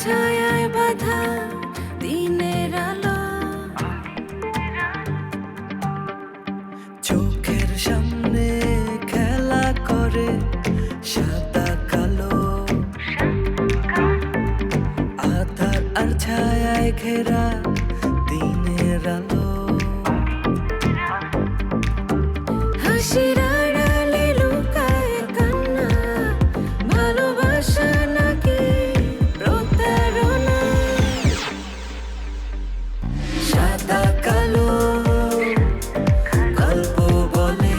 ছায়ায় বাঁধা দিনের আলো, চোখের সামনে খেলা করে সাদা কালো, আধার আর ছায়ায় ঘেরা দিনের আলো, হাসির আড়ালে লুকায় কান্না, ভালোবাসা নাকি প্রতারণা, সাদা কালো গল্প বলে।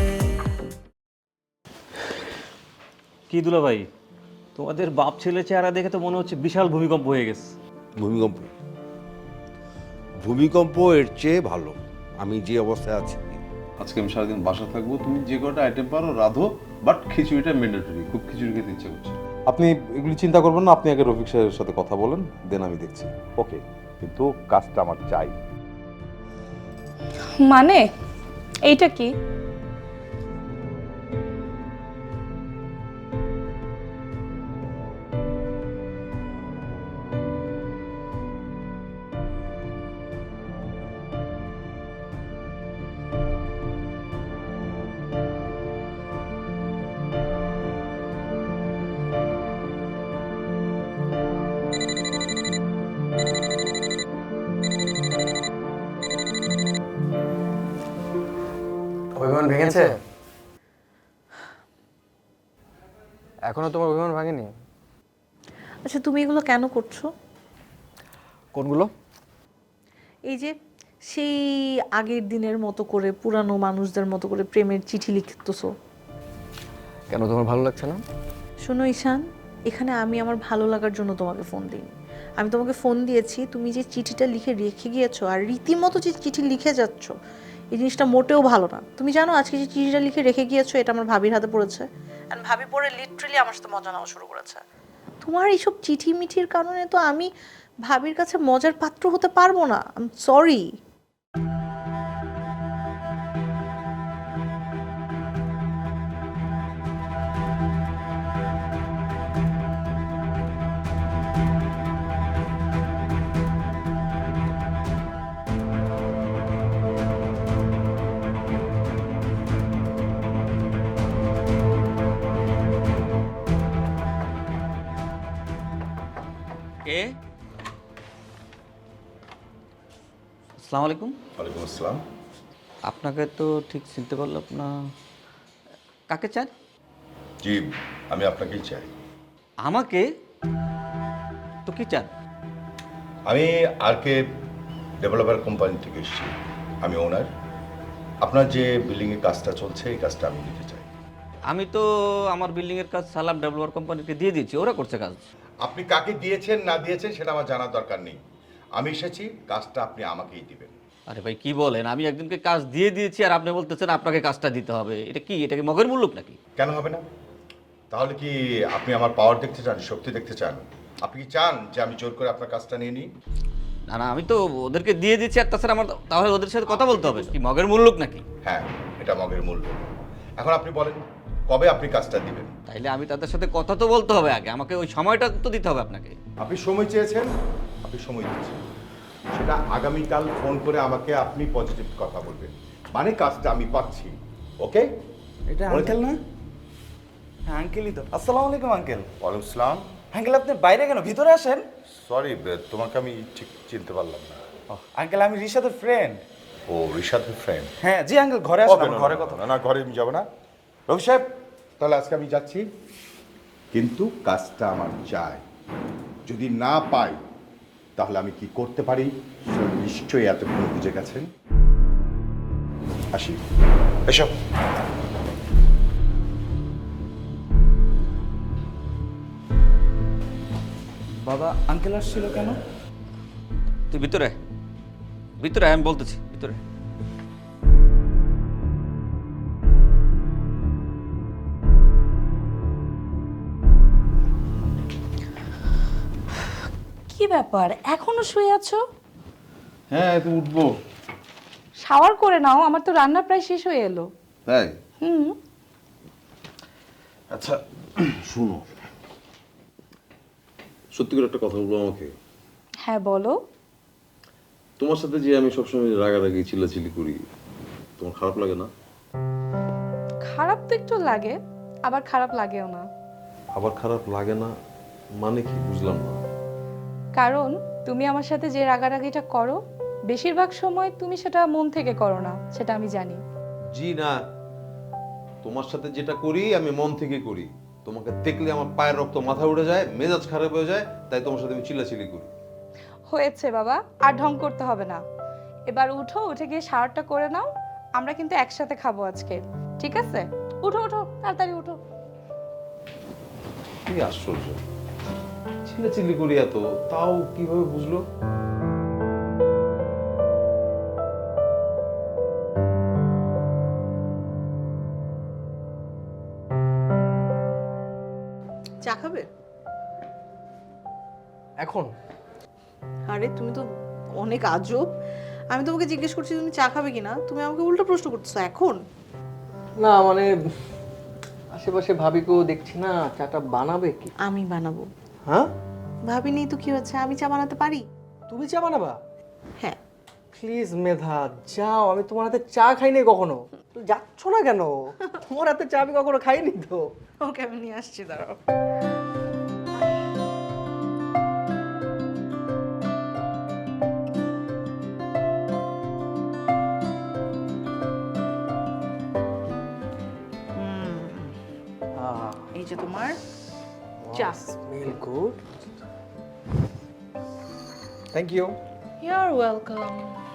কি দুলা ভাই, তোমাদের বাপ ছেলে চেহারা দেখে তো মনে হচ্ছে বিশাল ভূমিকম্প হয়ে গেছে। ভূমিকম্প? ভূমিকম্প এর চেয়ে ভালো আমি যে অবস্থায় আছি। আজকে আমি সারাদিন বাসা থাকবো, তুমি যে কটা আইটেম পারো রাধো, বাট খিচুড়িটা ম্যান্ডেটরি। খুব খিচুড়ি খেতে ইচ্ছে করছে। আপনি এগুলি চিন্তা করবেন না, আপনি আগে রফিক সাহেবের সাথে কথা বলেন, দেন আমি দেখছি। ওকে, কিন্তু কাজটা আমার চাই। মানে এইটা কি? অভিমান ভেঙেছে? এখনো তোমার অভিমান ভাঙেনি? আচ্ছা, তুমি এগুলো কেন করছো? কোনগুলো? এই যে সেই আগের দিনের মতো করে পুরানো মানুষদের মতো করে প্রেমের চিঠি লিখতেছো। কেন, তোমার ভালো লাগছে না? শোনো ঈশান, এখানে আমি আমার ভালো লাগার জন্য তোমাকে ফোন দিইনি। আমি তোমাকে ফোন দিয়েছি তুমি যে চিঠিটা লিখে রেখে গিয়েছো আর রীতিমতো যে চিঠি লিখে যাচ্ছ, এই জিনিসটা মোটেও ভালো না। তুমি জানো আজকে যে চিঠিটা লিখে রেখে গিয়েছো এটা আমার ভাবির হাতে পড়েছে, আর ভাবি পড়ে লিটারালি আমার সাথে মজা নেওয়া শুরু করেছে। তোমার এইসব চিঠি মিঠির কারণে তো আমি ভাবির কাছে মজার পাত্র হতে পারবো না। I am sorry. কে? আসসালামু আলাইকুম। ওয়ালাইকুম আসসালাম। আপনাকে তো ঠিক চিনতে পারলাম না, কাকে চান? জি, আমি আপনাকেই চাই। আমাকে? তো কি চান? আমি আরকে ডেভেলপার কোম্পানি থেকে এসেছি, আমি ওনার। আপনার যে বিল্ডিংয়ের কাজটা চলছে এই কাজটা আমি নিতে চাই। আমি তো আমার বিল্ডিংয়ের কাজ সালাম ডেভেলপার কোম্পানিকে দিয়ে দিয়েছি, ওরা করছে কাজ। আপনি কাকে দিয়েছেন না দিয়েছেন সেটা আমার জানার দরকার নেই। আমি এসেছি, কাজটা আপনি আমাকেই দিবেন। আরে ভাই কি বলেন, আমি একজনকে কাজ দিয়ে দিয়েছি আর আপনি বলতেছেন আপনাকে কাজটা দিতে হবে। এটা কি, এটা কি মগের মুল্লুক নাকি? কেন হবে না? তাহলে কি আপনি আমার পাওয়ার দেখতে চান, শক্তি দেখতে চান? আপনি কি চান যে আমি জোর করে আপনার কাজটা নিয়ে নিই? না না, আমি তো ওদেরকে দিয়ে দিচ্ছি আর তাছাড়া আমার তাহলে ওদের সাথে কথা বলতে হবে। কি মগের মুল্লুক নাকি? হ্যাঁ, এটা মগের মূল্য। এখন আপনি বলেন কবে আপনি কাজটা দিবেন? তাইলে আমি তাদের সাথে কথা তো বলতে হবে আগে, আমাকে ওই সময়টা তো দিতে হবে আপনাকে। আপনি সময় চেয়েছেন, আপনি সময় দিচ্ছেন। সেটা আগামীকাল ফোন করে আমাকে আপনি পজিটিভ কথা বলবেন, মানে কাজটা আমি পাচ্ছি। ওকে? এটা আঙ্কেল না? হ্যাঁ আঙ্কেলই তো। আসসালামু আলাইকুম আঙ্কেল। ওয়ালাইকুম আসসালাম। আঙ্কেল আপনি বাইরে কেন, ভিতরে আসেন। সরি, তোমাকে আমি ঠিক চিনতে পারলাম না। আঙ্কেল আমি রিশাদের ফ্রেন্ড। ও, রিশাদের ফ্রেন্ড? হ্যাঁ জি আঙ্কেল, ঘরে আসেন, আমার ঘরে কথা। না না, ঘরে আমি যাবো না। রবি সাহেব, তাহলে আজকে আমি যাচ্ছি, কিন্তু কাজটা আমার চাই। যদি না পাই তাহলে আমি কি করতে পারি সেটা নিশ্চয়ই এতক্ষণ বুঝে গেছেন। আসি, এসব। বাবা আঙ্কেল আসছিল কেন? তুই ভিতরে, ভিতরে আমি বলতেছি, ভিতরে। কি ব্যাপার, এখনো শুয়ে আছো? হ্যাঁ, তো উঠবো। শাওয়ার করে নাও, আমার তো রান্না প্রায় শেষ হয়ে এলো। তাই? হুম। আচ্ছা শুনো, সত্যি করে একটা কথা বলবো আমাকে? হ্যাঁ বলো। তোমার সাথে যে আমি সবসময় রাগারাগি চিল্লাচিল্লি করি, তোমার খারাপ লাগে না? খারাপ তো একটু লাগে, আবার খারাপ লাগেও না। আবার খারাপ লাগে না মানে কি, বুঝলাম না। কারণ তুমি আমার সাথে যে রাগারাগিটা করো, বেশিরভাগ সময় তুমি সেটা মন থেকে করো না, সেটা আমি জানি। জি না, তোমার সাথে যেটা করি আমি মন থেকে করি। তোমাকে দেখলে আমার পায়ের রক্ত মাথায় উঠে যায়, মেজাজ খারাপ হয়ে যায়, তাই তোমার সাথে আমি চিল্লাচিল্লি করি। হয়েছে বাবা, আর ঢং করতে হবে না। এবার উঠো, উঠে গিয়ে শাওয়ারটা করে নাও। আমরা কিন্তু একসাথে খাবো আজকে, ঠিক আছে? উঠো উঠো, তাড়াতাড়ি উঠো। কি আশ্চর্য, চিল্লাচিল্লি করি এত, তাও কিভাবে বুঝলো? চা খাবে? এখন? আরে তুমি তো অনেক আজব। আমি তোমাকে জিজ্ঞেস করছি তুমি চা খাবে কিনা, তুমি আমাকে উল্টো প্রশ্ন করতেছো এখন। না মানে আশেপাশে ভাবিকেও দেখছি না, চাটা বানাবে কি? আমি বানাবো। হ্যাঁ? ভাবি নেই তো কি হচ্ছে, আমি চা বানাতে পারি। তুমি চা বানাবা? হ্যাঁ। প্লিজ মেধা যাও, আমি তোমার হাতে চা খাইনি কখনো। তো যাচ্ছ না কেন? তোমার হাতে চা আমি কখনো খাইনি তো। ওকে আমি নিয়ে আসছি, দাঁড়াও। এই যে তোমার চা। Smell good. Thank you. You are welcome.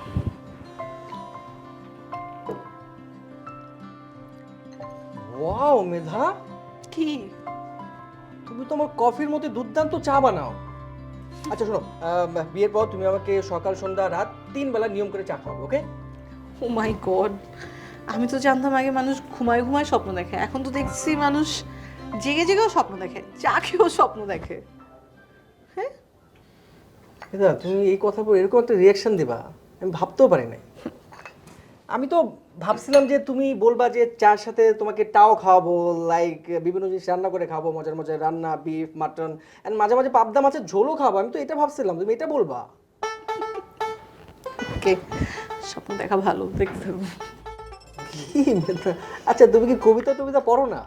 Wow Medha, কি? তুমি তো আমার কফির মধ্যে দুর্দান্ত চা বানাও। আচ্ছা শোনো, বিয়ের পর তুমি আমাকে সকাল সন্ধ্যা রাত 3 বেলা নিয়ম করে চা খাওয়াবে, ওকে? ও মাই গড, আমি তো জানতাম আগে মানুষ ঘুমায় ঘুমায় স্বপ্ন দেখে, এখন তো দেখছি মানুষ জেগে জেগেও স্বপ্ন দেখে, চা খেয়েও স্বপ্ন দেখে। হ্যাঁ মেধা, তুমি এই কথা বলে এরকম একটা রিয়াকশন দিবা আমি ভাবতেও পারি নাই। আমি তো ভাবছিলাম যে তুমি বলবা যে চার সাথে তোমাকে টাও খাওয়াবো, লাইক বিভিন্ন জিনিস রান্না করে খাবো, মজার মজার রান্না, বিফ, মাটন, এন্ড মাঝে মাঝে পাবদা মাছের ঝোলও খাবো। আমি তো এটা ভাবছিলাম, তুমি এটা বলবা। ওকে, স্বপ্ন দেখা ভালো, দেখতে থাকবো। কি মেধা? আচ্ছা তুমি কি কবিতা টবিতা পড়ো না?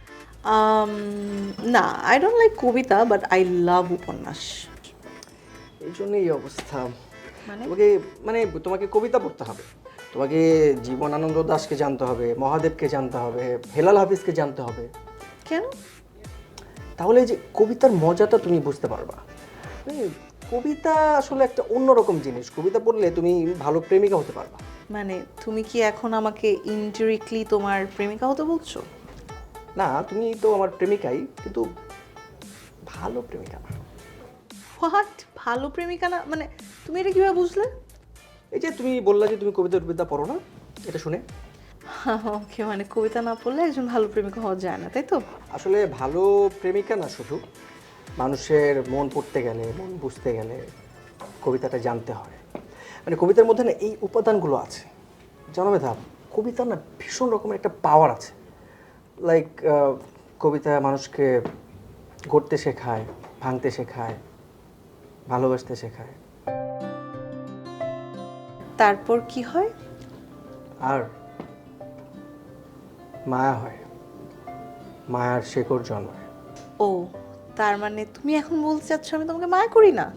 না, আই ডোন্ট লাইক কবিতা, বাট আই লাভ উপন্যাস। এই জন্যই এই অবস্থা। মানে? তোমাকে কবিতা পড়তে হবে, তোমাকে জীবনানন্দ দাশকে জানতে হবে, মহাদেবকে জানতে হবে, হেলাল হাফিজকে জানতে হবে। কেন? তাহলে এই যে কবিতার মজাটা তুমি বুঝতে পারবা। কবিতা আসলে একটা অন্যরকম জিনিস, কবিতা পড়লে তুমি ভালো প্রেমিকা হতে পারবা। মানে তুমি কি এখন আমাকে ইনডিরেক্টলি তোমার প্রেমিকা হতে বলছো? না, তুমি তো আমার প্রেমিকাই, কিন্তু ভালো প্রেমিকা না। হোয়াট? ভালো প্রেমিকা না মানে তুমি এটা কিভাবে বুঝলে? এই যে তুমি বললা যে তুমি কবিতা টবিতা পড়ো না, এটা শুনে। ওকে, মানে কবিতা না পড়লে একজন ভালো প্রেমিকা হওয়া যায় না, তাই তো? আসলে ভালো প্রেমিকা না, শুধু মানুষের মন পড়তে গেলে, মন বুঝতে গেলে কবিতাটা জানতে হয়। মানে কবিতার মধ্যে না এই উপাদানগুলো আছে, জানো মেধা? কবিতার না ভীষণ রকমের একটা পাওয়ার আছে। লাইক কবিতা মানুষকে গড়তে শেখায়, ভাঙতে শেখায়, ভালোবাসতে শেখায়। তারপর কি হয়? আর মায়া হয়, মায়ার শেকড় জন্মায়। ও, তার মানে তুমি এখন বলতে চাচ্ছ আমি তোমাকে মায়া করি না?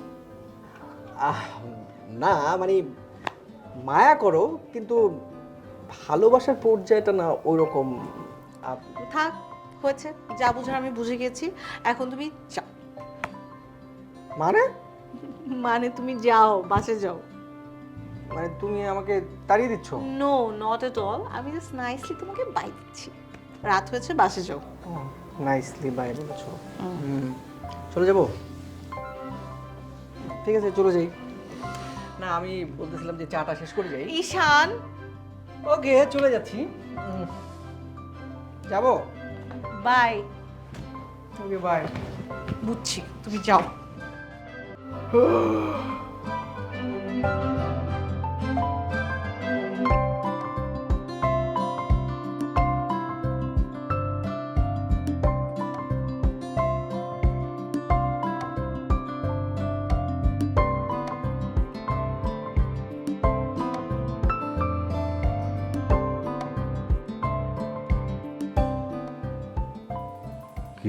না মানে মায়া করো, কিন্তু ভালোবাসার পর্যায়টা না ওই রকম। থাক, হয়েছে, যা বুঝার আমি বুঝে গেছি, এখন তুমি যাও। মানে মানে তুমি যাও, বাসে যাও। মানে তুমি আমাকে তাড়িয়ে দিচ্ছ? নো, নট এট অল, আমি জাস্ট নাইসলি তোমাকে বাই দিচ্ছি। রাত হয়েছে, বাসে যাও। নাইসলি বাই বলেছো। চলে যাবো? ঠিক আছে, চলে যাই। না, আমি বলতেছিলাম যে চাটা শেষ করে যাই। ঈশান, ওকে, চলে যাচ্ছি। যাবো? বাই। Okay, bye. বুঝছি, তুমি যাও।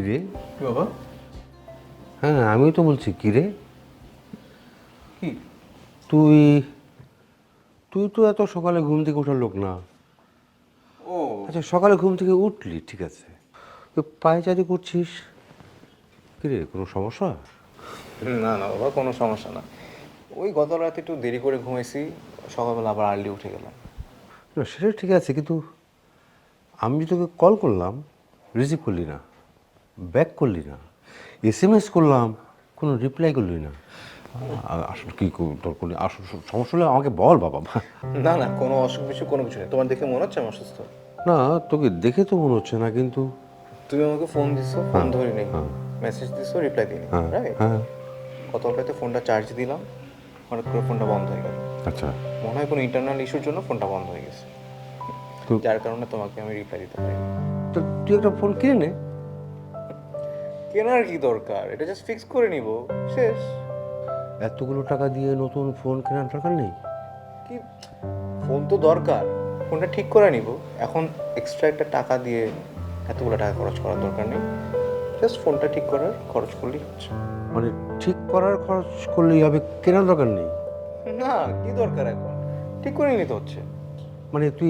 রে? বাবা হ্যাঁ আমি তো বলছি কি রে, কি? তুই তুই তো এত সকালে ঘুম থেকে ওঠার লোক না। ও আচ্ছা সকালে ঘুম থেকে উঠলি ঠিক আছে, তুই পায়চারি করছিস কি রে, কোনো সমস্যা? না না বাবা, কোনো সমস্যা না। ওই গত রাতে একটু দেরি করে ঘুমাইছি, সকালবেলা আবার আর্লি উঠে গেলাম। না সেটা ঠিক আছে, কিন্তু আমি তোকে কল করলাম রিসিভ করলি না, ব্যাক করলি না, SMS করলাম কোনো রিপ্লাই করলি না। আসলে কি তোর কোনো সমস্যা হলে আমাকে বল বাবা। না না, কোনো অসুখ বিসুখ কোনো কিছু নেই। তোমার দেখে মনে হচ্ছে আমি অসুস্থ? না তোকে দেখে তো মনে হচ্ছে না, কিন্তু তুমি আমাকে ফোন দিছো, ফোন ধরি নেই, মেসেজ দিছো, রিপ্লাই দিই রাইট। হ্যাঁ গত রাতে ফোনটা চার্জ দিলাম, হঠাৎ করে ফোনটা বন্ধ হয়ে গেল। আচ্ছা মনে হয় কোনো ইন্টারনাল ইস্যুর জন্য ফোনটা বন্ধ হয়ে গেছে, তো- যার কারণে তোমাকে আমি রিপ্লাই দিতে পারি। তো তুই একটা ফোন কিনে নে। কেনার কি দরকার, এটা জাস্ট ফিক্স করে নিব, শেষ। এতগুলো টাকা দিয়ে নতুন ফোন কেনার দরকার নেই। কি ফোন তো দরকার, ফোনটা ঠিক করে নিব। এখন এক্সট্রা একটা টাকা দিয়ে এতগুলো টাকা খরচ করার দরকার নেই, জাস্ট ফোনটা ঠিক করার খরচ করলেই হচ্ছে। মানে ঠিক করার খরচ করলেই হবে, কেনার দরকার নেই? না কি দরকার, এখন ঠিক করে নিতে হচ্ছে। মানে তুই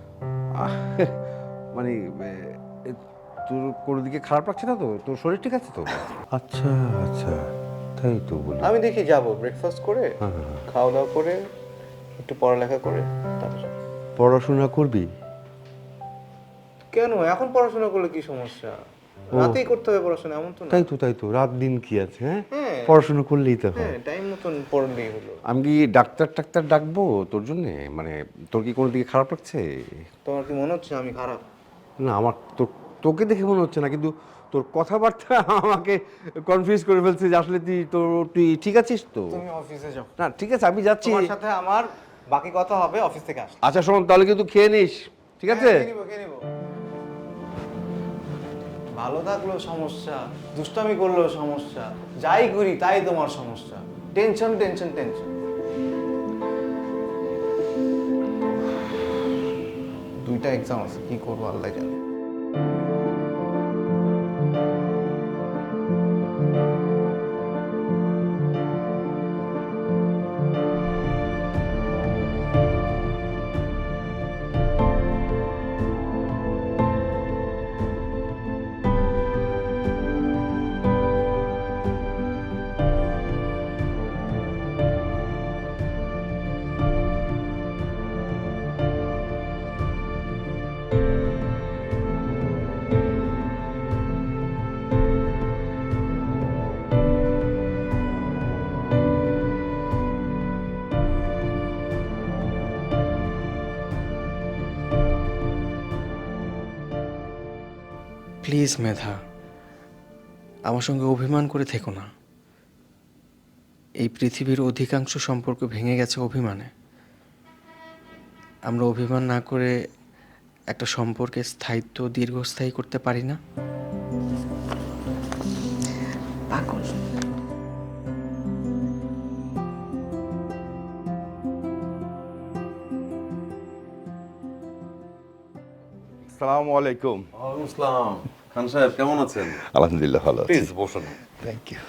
মানে তোর কোনো দিকে খারাপ লাগছে না তো, তোর শরীর ঠিক আছে তো? আচ্ছা আচ্ছা তাই তো বলি। আমি দেখি যাবো, ব্রেকফাস্ট করে খাওয়া দাওয়া করে একটু পড়ালেখা করে তারপর যাবো। পড়াশোনা করবি? কেন, এখন পড়াশোনা করলে কি সমস্যা? রাতেই করতে হবে পড়াশোনা, এমন তো না। তাই তো রাত দিন কি আছে, হ্যাঁ হ্যাঁ। পড়াশোনা করলেই তো হয়। হ্যাঁ, টাইম মতন পড়লেই হলো। আমি কি ডাক্তার ডাকবো তোর জন্যে? মানে তোর কি কোনো দিকে খারাপ লাগছে? তোমার কি মনে হচ্ছে আমি খারাপ? না আমার তোকে দেখে মনে হচ্ছে না, কিন্তু তোর কথাবার্তা আমাকে কনফিউজ করে ফেলছে যে আসলে তুই ঠিক আছিস তো? তুমি অফিসে যাও, না ঠিক আছে আমি যাচ্ছি। তোমার সাথে আমার বাকি কথা হবে অফিস থেকে আসলে। আচ্ছা শোন তাহলে কিন্তু খেয়ে নিস, ঠিক আছে? হ্যাঁ, খেয়ে নিবো। ভালো থাকলেও সমস্যা, দুষ্টামি করলেও সমস্যা, যাই করি তাই তোমার সমস্যা। Tension tension tension. দুইটা এক্সাম আছে, কি করবো আল্লাহ জানে। প্লিজ মেধা, আমার সঙ্গে অভিমান করে থেকো না। এই পৃথিবীর অধিকাংশ সম্পর্ক ভেঙে গেছে অভিমানে। আমরা অভিমান না করে একটা সম্পর্কের স্থায়িত্ব দীর্ঘস্থায়ী করতে পারি না? পাগল। আসসালামু আলাইকুম। ওয়ালাইকুম আসসালাম। খান সাহেব কেমন আছেন? আলহামদুলিল্লাহ ভালো আছি। প্লিজ বসুন। Thank you.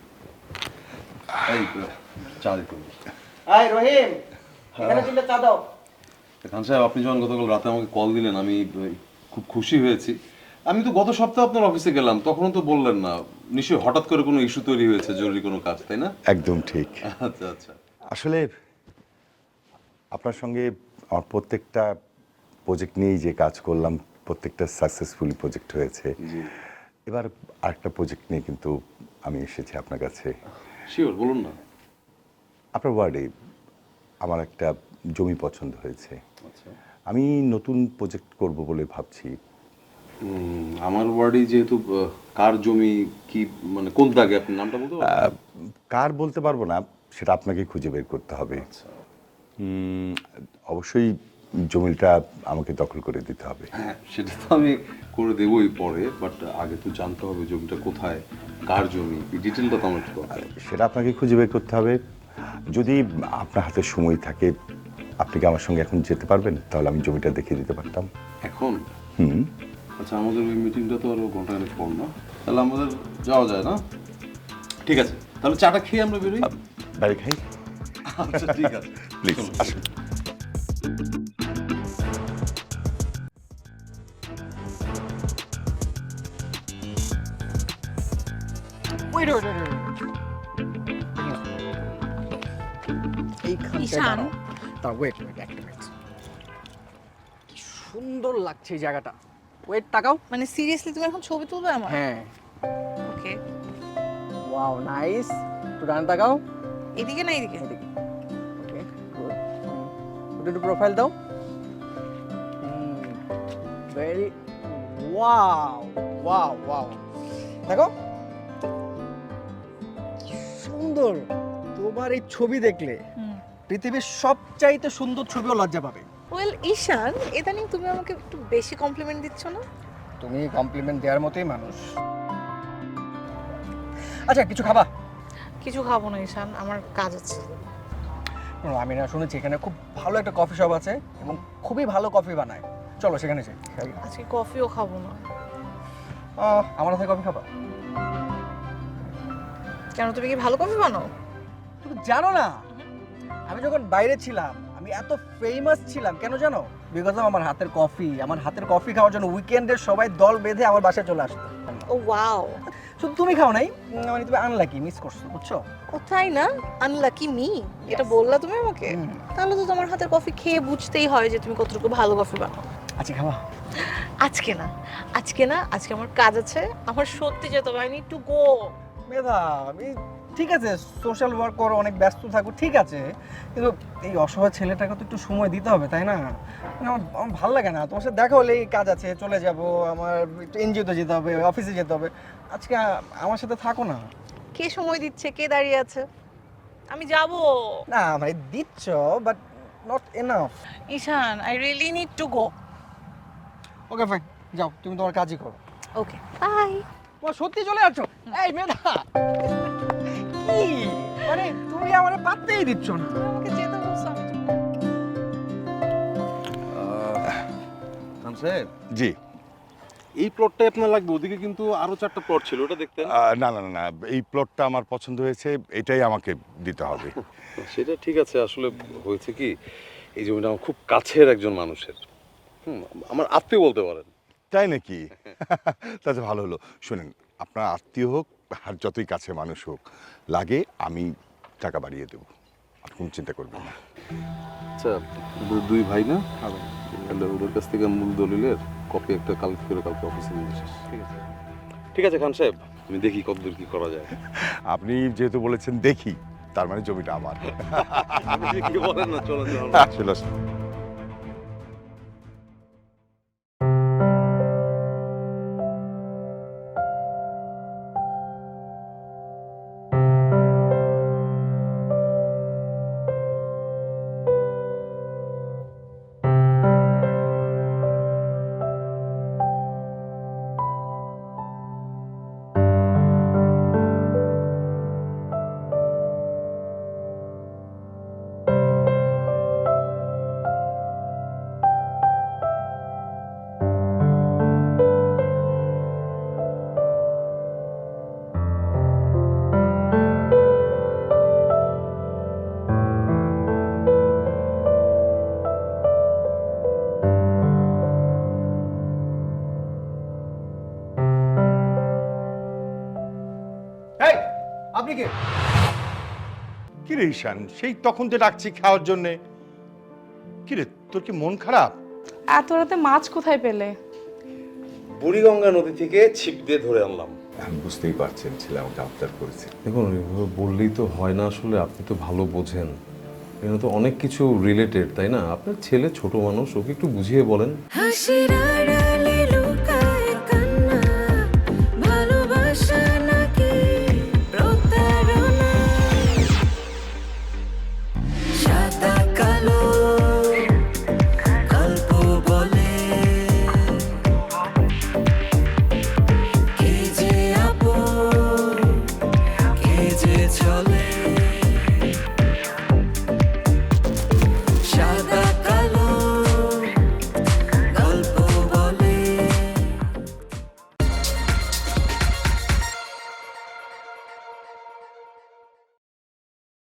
এই চা দিতে হবে। এই রহিম, এখানে তিনটা চা দাও। খান সাহেব আপনি যখন গতকাল রাতে আমাকে কল দিলেন আমি খুব খুশি হয়েছি। আমি তো গত সপ্তাহে আপনার অফিসে গেলাম, তখনও তো বললেন না। নিশ্চয়ই হঠাৎ করে কোনো ইস্যু তৈরি হয়েছে, জরুরি কোনো কাজ, তাই না? একদম ঠিক। আচ্ছা আচ্ছা। আসলে আপনার সঙ্গে আমার প্রত্যেকটা প্রজেক্ট নিয়েই যে কাজ করলাম, প্রত্যেকটা সাকসেসফুলি প্রজেক্ট হয়েছে। এবার আরেকটা প্রজেক্ট নিয়ে কিন্তু আমি এসেছি আপনার কাছে। শিওর, বলুন না। আপনার ওয়ার্ডে আমার একটা জমি পছন্দ হয়েছে। আচ্ছা। আমি নতুন প্রজেক্ট করব বলে ভাবছি। আমার ওয়ার্ডে যেহেতু কার জমি কি মানে কোন দাগে, আপনি নামটা বলতে পারবেন? কার বলতে পারবো না, সেটা আপনাকে খুঁজে বের করতে হবে। অবশ্যই জমিটা আমাকে দখল করে দিতে হবে। হ্যাঁ সেটা তো আমি করে দেবই পরে, বাট আগে তো জানতে হবে জমিটা কোথায়, কার জমি, এই ডিটেলটা তো আমার একটু দরকার। সেটা আপনাকে খুঁজে বের করতে হবে। যদি আপনার হাতে সময় থাকে, আপনি কি আমার সঙ্গে এখন যেতে পারবেন? তাহলে আমি জমিটা দেখিয়ে দিতে পারতাম। এখন? আচ্ছা আমাদের ওই মিটিংটা তো আরো ঘন্টা খানেক পর না? তাহলে আমাদের যাওয়া যায় না? ঠিক আছে, তাহলে চাটা খেয়ে আমরা বেরোই। বাড়ি খাই আচ্ছা ঠিক আছে, প্লিজ চলুন। আসুন। ওয়েট ঈশান। ওয়েট একটা মিনিট, কি সুন্দর লাগছে এই জায়গাটা। ওয়েট তাকাও। মানে সিরিয়াসলি তুমি এখন ছবি তুলবে আমার? হ্যাঁ, ওকে, ওয়াও নাইস। একটু ডান তাকাও। এদিকে না এদিকে? এদিকে। Okay good. একটু প্রোফাইল দাও। Very wow wow wow. দেখো কি সুন্দর। তোমার এই ছবি দেখলে পৃথিবীর সবচাইতে সুন্দর ছবিও লজ্জা পাবে। ওয়েল ঈশান, ইদানিং তুমি আমাকে একটু বেশি কমপ্লিমেন্ট দিচ্ছ না? তুমি কমপ্লিমেন্ট দেওয়ার মতোই মানুষ। আচ্ছা কিছু খাবা? কিছু খাবো না ঈশান, আমার কাজ আছে। আমি না শুনেছি এখানে খুব ভালো একটা কফি শপ আছে এবং খুবই ভালো কফি বানায়। চলো সেখানে যাই। আজকে কফিও খাবো না। আমার হাতে কফি খাবা? কেন, তুমি কি ভালো কফি বানাও? তুমি জানো না, আমি যখন বাইরে ছিলাম আমি এত ফেমাস ছিলাম কেন জানো? বিকজ অফ আমার হাতের কফি। আমার হাতের কফি খাওয়ার জন্য উইকেন্ডে সবাই দল বেঁধে আমার বাসায় চলে আসতো। ও ওয়াও। শুধু তুমি খাও নাই, মানে তুমি আনলাকি, মিস করছো, বুঝছো? ও তাই না? আনলাকি মি, এটা বললা তুমি আমাকে? তাহলে তো তোমার হাতের কফি খেয়ে বুঝতেই হয় যে তুমি কতটুকু ভালো কফি বানাও। আচ্ছা খাবা? আজকে না, আজকে না, আজকে আমার কাজ আছে, আমার সত্যি যেতে হবে। I need to go. Medha, আমি ঠিক আছে সোশ্যাল ওয়ার্ক করো, অনেক ব্যস্ত থাকো, ঠিক আছে, কিন্তু এই অসহায় ছেলেটাকে তো একটু সময় দিতে হবে, তাই না? মানে আমার ভালো লাগে না। তোমার সাথে দেখা হলে এই কাজ আছে, চলে যাব, আমার একটু এনজিওতে যেতে হবে, অফিসে যেতে হবে। আজকে আমার সাথে থাকো না। কে সময় দিচ্ছে, কে দাঁড়িয়ে আছে? আমি যাব না মানে দিচ্ছ, but not enough. Ishan, I really need to go. Okay fine, যাও, তুমি তোমার কাজই করো। Okay bye. তোমার সত্যি চলে যাচ্ছ? এই মেধা, কি মানে তুমি আমার পাত্তেই দিচ্ছ না। আমাকে যেতে বলছো, আমি খান সাহেব, জি। এই প্লটটাই আপনার লাগবে, ওদিকে কিন্তু আরো 4টা প্লট ছিল, ওটা দেখতেন। না না না না, এই প্লটটা আমার পছন্দ হয়েছে, এটাই আমাকে দিতে হবে। সেটা ঠিক আছে, আসলে হয়েছে কি, এই জমিটা আমার খুব কাছের একজন মানুষের, আমার আত্মীয় বলতে পারেন। তাই নাকি? তাতে ভালো হলো। শুনেন, আপনার আত্মীয় হোক আর যতই কাছে মানুষ হোক, লাগে আমি টাকা বাড়িয়ে দেবো, আর কোনো চিন্তা করবেন না। আচ্ছা, দুই ভাই না? তাহলে ওদের কাছ থেকে মূল দলিলের কপি একটা কালেক্ট করে কালকে অফিসে নিয়ে আসিস। ঠিক আছে? ঠিক আছে খান সাহেব, আমি দেখি কতদূর কি করা যায়। আপনি যেহেতু বলেছেন দেখি, তার মানে জমিটা আমার। আপনি কি বলেন না, চলো চলো। আসলে আসলে। এই আপনি কে? কি রে ঈশান, সেই তখন যে ডাকছি খাওয়ার জন্যে। কি রে, তোর কি মন খারাপ? এত রাতে মাছ কোথায় পেলে? বুড়িগঙ্গা নদী থেকে ছিপ দিয়ে ধরে আনলাম। আমি বুঝতেই পারছেন, ছেলে আমাকে আবদার করেছে। দেখুন, এভাবে বললেই তো হয় না, আসলে আপনি তো ভালো বোঝেন, এখানে তো অনেক কিছু রিলেটেড, তাই না? আপনার ছেলে ছোট মানুষ, ওকে একটু বুঝিয়ে বলেন। হাসির আড়ালে লুকায় কান্না, ভালোবাসা নাকি প্রতারণা, সাদা কালো গল্প বলে, কে যে আপন কে যে চলে।